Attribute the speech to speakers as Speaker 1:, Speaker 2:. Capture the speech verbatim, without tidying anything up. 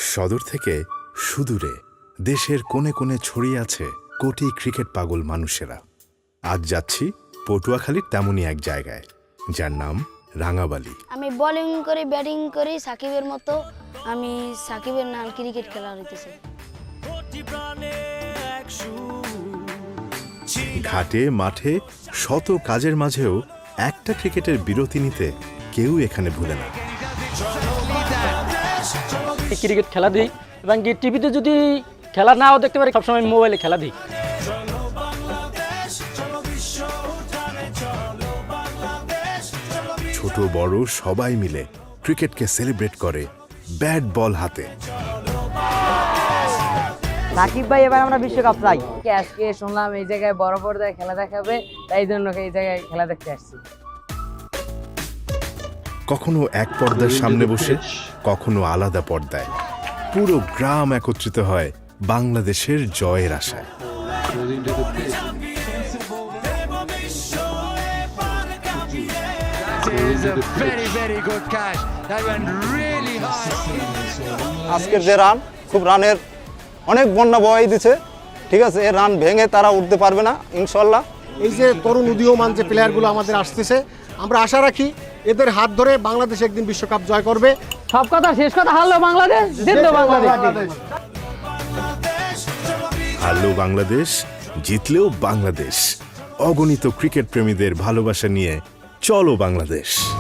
Speaker 1: সদর থেকে সুদূরে দেশের কোণে কোণে ছড়িয়ে আছে কোটি ক্রিকেট পাগল মানুষেরা। আজ যাচ্ছি পটুয়াখালীর তেমনই এক জায়গায়, যার নাম রাঙাবালি।
Speaker 2: আমি বোলিং করি, ব্যাটিং করি সাকিবের মতো। আমি সাকিবের নাম ক্রিকেট খেলা হইতেছে।
Speaker 1: ঘাটে মাঠে শত কাজের মাঝেও একটা ক্রিকেটের বিরতি নিতে কেউ এখানে ভুলে না।
Speaker 3: ক্রিকেট খেলা দিই এবং টিভিতে যদি খেলা নাও দেখতে পারি, সবসময় মোবাইলে খেলা দিই।
Speaker 1: ছোট বড় সবাই মিলে ক্রিকেটকে সেলিব্রেট করে ব্যাট বল হাতে।
Speaker 4: সাকিব ভাই এবার আমরা বিশ্বকাপ চাই। আজকে শুনলাম এই জায়গায় বড় পর্দায় খেলা দেখাবে, তাই জন্য এই জায়গায় খেলা দেখতে আসছি।
Speaker 1: কখনো এক পর্দার সামনে বসে, কখনো আলাদা পর্দায় পুরো গ্রাম একত্রিত হয় বাংলাদেশের জয়ের আশায়।
Speaker 5: আজকের যে রান, খুব রানের অনেক বন্যা বয়ে দিচ্ছে, ঠিক আছে। এর রান ভেঙে তারা উঠতে পারবে না ইনশাল্লাহ।
Speaker 6: এই যে তরুণ উদীয়মান যে প্লেয়ারগুলো আমাদের আসতেছে, আমরা আশা রাখি এদের হাত ধরে বাংলাদেশ একদিন বিশ্বকাপ জয় করবে।
Speaker 4: সব কথা শেষ কথা, হারলো বাংলাদেশ, জিতলো বাংলাদেশ।
Speaker 1: হারলেও বাংলাদেশ, জিতলেও বাংলাদেশ। অগণিত ক্রিকেট প্রেমীদের ভালোবাসা নিয়ে চলো বাংলাদেশ।